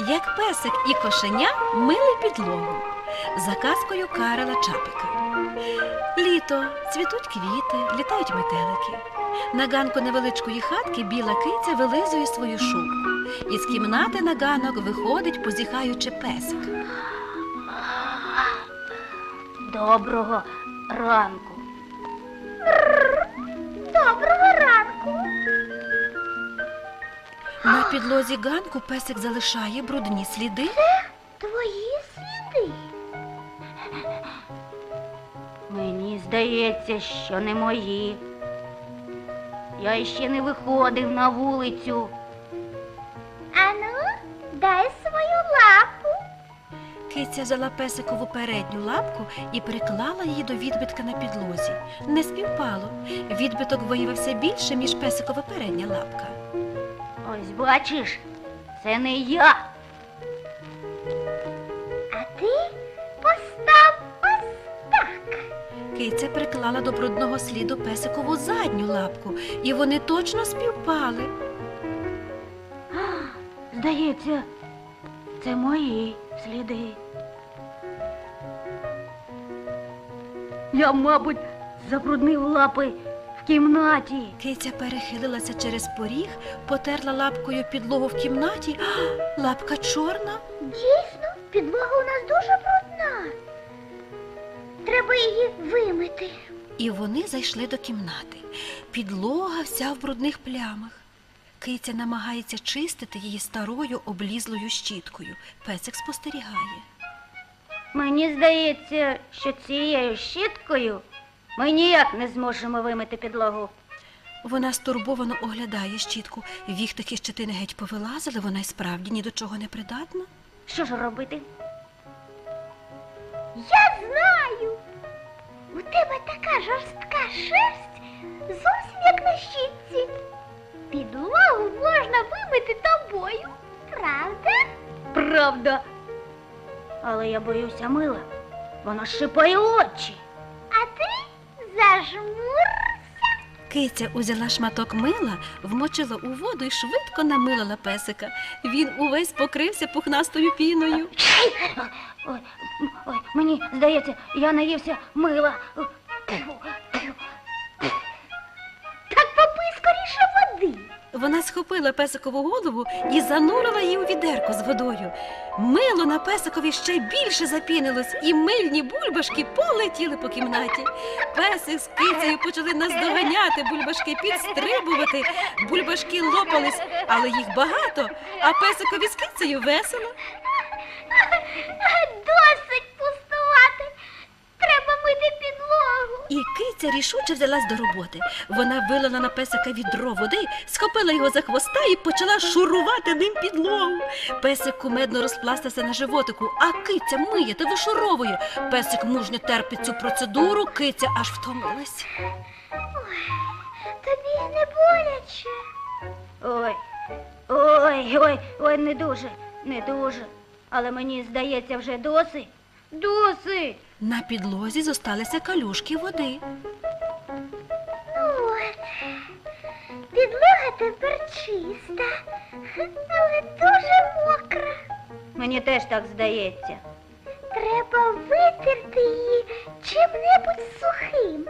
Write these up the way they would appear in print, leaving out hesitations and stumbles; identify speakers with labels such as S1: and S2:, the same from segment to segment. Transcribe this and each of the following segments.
S1: Як песик і кошеня мили підлогу за казкою Карла Чапика. Літо, цвітуть квіти, літають метелики. На ганку невеличкої хатки біла киця вилизує свою шубку. Із кімнати на ганок виходить, позіхаючи, песик.
S2: Доброго ранку.
S3: Доброго ранку.
S1: На підлозі ганку песик залишає брудні сліди.
S3: Твої сліди.
S2: Мені здається, що не мої. Я ще не виходив на вулицю.
S3: Ану, дай свою лапу.
S1: Киця взяла песикову передню лапку і приклала її до відбитка на підлозі. Не співпало. Відбиток виявився більше, ніж песикова передня лапка.
S2: Ось бачиш, це не я.
S3: А ти постав ось так.
S1: Киця приклала до брудного сліду песикову задню лапку, і вони точно співпали.
S2: Здається, це мої сліди. Я, мабуть, забруднив лапи в кімнаті.
S1: Киця перехилилася через поріг, потерла лапкою підлогу в кімнаті. Лапка чорна.
S3: Дійсно, підлога у нас дуже брудна. Треба її вимити.
S1: І вони зайшли до кімнати. Підлога вся в брудних плямах. Киця намагається чистити її старою облізлою щіткою. Песик спостерігає.
S2: Мені здається, що цією щіткою ми ніяк не зможемо вимити підлогу.
S1: Вона стурбовано оглядає щітку. Віхтики щетини геть повилазили, вона й справді ні до чого не придатна.
S2: Що ж робити?
S3: Я знаю. У тебе така жорстка шерсть, зовсім як на щітці. Підлогу можна вимити тобою, правда?
S2: Правда. Але я боюся мила. Воно шипає очі.
S3: А ти зажмурся.
S1: Киця узяла шматок мила, вмочила у воду і швидко намилила песика. Він увесь покрився пухнастою піною.
S2: Ой, ой, мені здається, я наївся мила.
S3: Так попий скоріше води.
S1: Вона схопила песикову голову і занурила її у відерко з водою. Мило на песикові ще більше запінилось, і мильні бульбашки полетіли по кімнаті. Песик з кицею почали наздоганяти, бульбашки підстрибувати. Бульбашки лопались, але їх багато, а песикові з кицею весело.
S3: Досить пустувати. Треба мити підлогу.
S1: І киця рішуче взялась до роботи. Вона вилила на песика відро води, схопила його за хвоста і почала шурувати ним підлогу. Песик кумедно розпластався на животику, а киця миє та вишуровує. Песик мужньо терпить цю процедуру, киця аж втомилась.
S3: Тобі не боляче.
S2: Ой, не дуже. Але мені здається, вже досить. Досить.
S1: На підлозі зосталися калюшки води.
S3: От, підлога тепер чиста, але дуже мокра.
S2: Мені теж так здається.
S3: Треба витерти її чим-небудь сухим.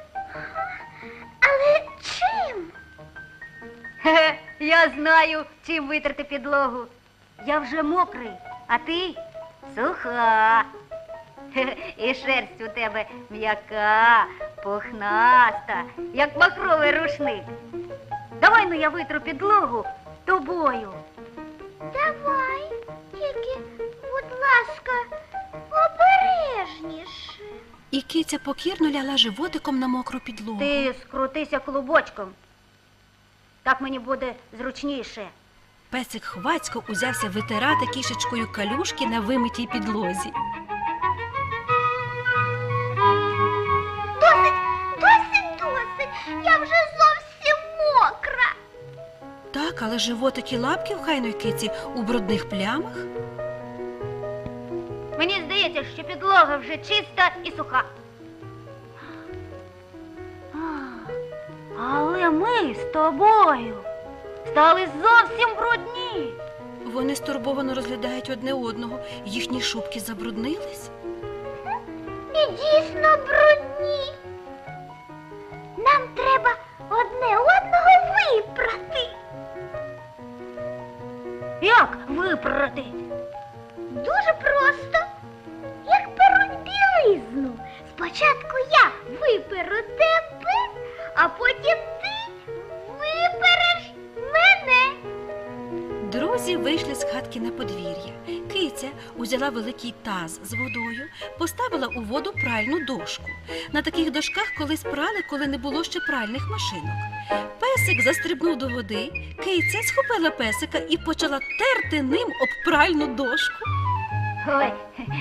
S3: Але чим?
S2: Хе-хе, я знаю, чим витерти підлогу. Я вже мокрий, а ти суха. Хе-хе, і шерсть у тебе м'яка, пухнаста, як махровий рушник. Давай, ну, я витру підлогу тобою.
S3: Давай, тільки, будь ласка, обережніше.
S1: І киця покірно ляла животиком на мокру підлогу.
S2: Ти скрутися клубочком. Так мені буде зручніше.
S1: Песик хвацько узявся витирати кішечкою калюшки на вимитій підлозі.
S3: Досить, я вже зовсім мокра.
S1: Так, але животик і лапки в хайної киці у брудних плямах.
S2: Мені здається, що підлога вже чиста і суха. Але ми з тобою стали зовсім брудні.
S1: Вони стурбовано розглядають одне одного. Їхні шубки забруднились.
S3: І дійсно брудні. Нам треба одне одного випрати.
S2: Як випрати?
S3: Дуже просто. Як перуть білизну. Спочатку я виперу тебе, а потім ти випереш мене.
S1: Друзі вийшли з хатки на подвір'я. Киця узяла великий таз з водою, поставила у воду пральну дошку. На таких дошках колись прали, коли не було ще пральних машинок. Песик застрибнув до води, киця схопила песика і почала терти ним об пральну дошку.
S2: Ой,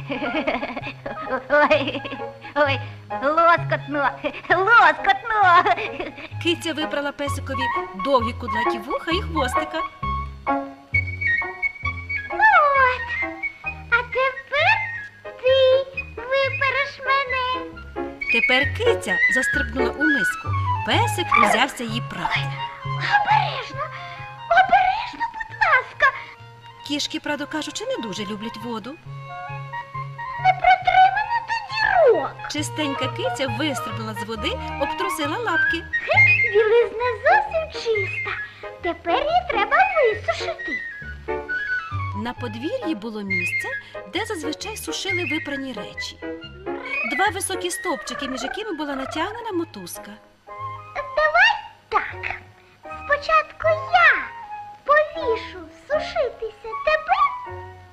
S2: ой, ой, лоскотно, лоскотно.
S1: Киця випрала песикові довгі кудлаті вуха і хвостика.
S3: Ну от, а тепер ти випереш мене.
S1: Тепер киця застрибнула у миску. Песик узявся її прати.
S3: Обережно, обережно, будь ласка.
S1: Кішки, правду кажучи, не дуже люблять воду.
S3: Не протри мене до дірок.
S1: Чистенька киця вистрибнула з води, обтрусила лапки.
S3: Білизна зовсім чиста. Тепер її треба висушити.
S1: На подвір'ї було місце, де зазвичай сушили випрані речі. Два високі стовпчики, між якими була натягнена мотузка.
S3: Давай так. Спочатку я повішу сушитися тебе,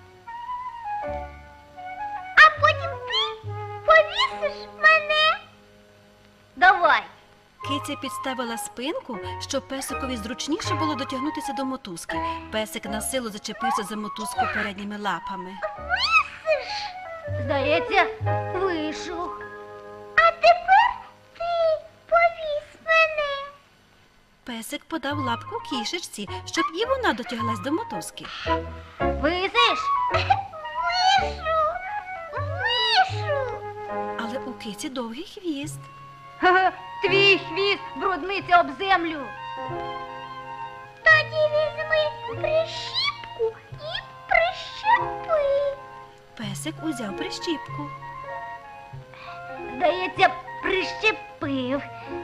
S3: а потім ти повісиш мене.
S2: Давай.
S1: Киця підставила спинку, щоб песикові зручніше було дотягнутися до мотузки. Песик на силу зачепився за мотузку передніми лапами.
S3: Висиш.
S2: Здається, вийшов.
S3: А тепер ти повісь мене.
S1: Песик подав лапку кішечці, щоб і вона дотяглась до мотузки.
S2: Висиш?
S3: Вишу. Вишу.
S1: Але у киці довгий хвіст.
S2: Ха-ха, твій хвіст брудниться об землю.
S3: Тоді візьми прищіпку і прищепи.
S1: Песик узяв прищіпку.
S2: Здається, прищепив.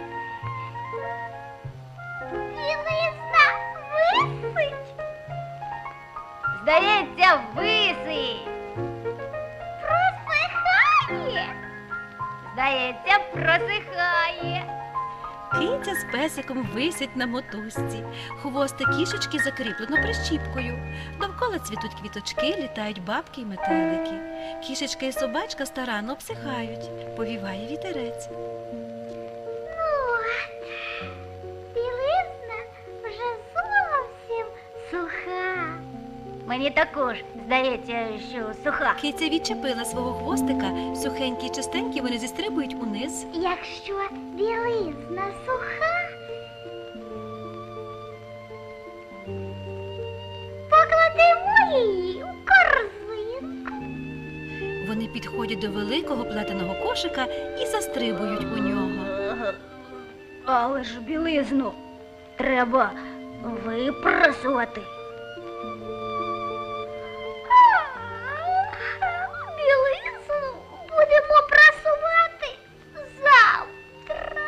S3: Білизна висить.
S2: Здається, висить.
S3: Просихає.
S2: Здається, просихає.
S1: Киця з песиком висять на мотузці. Хвостик кішечки закріплено прищіпкою. Довкола цвітуть квіточки, літають бабки й метелики. Кішечка і собачка старанно обсихають. Повіває вітерець.
S3: От, білизна вже зовсім суха.
S2: Мені також здається, що суха.
S1: Киця відчепила свого хвостика, сухенькі й чистенькі вони зістрибують униз.
S3: Якщо білизна суха, покладемо її у корзинку.
S1: Вони підходять до великого плетеного кошика і застрибують у нього.
S2: Але ж білизну треба випрасувати.
S3: Білизну будемо прасувати завтра.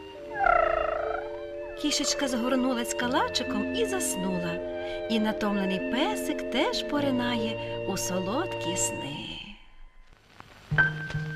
S1: Кішечка згорнулась калачиком і заснула. І натомлений песик теж поринає у солодкі сни.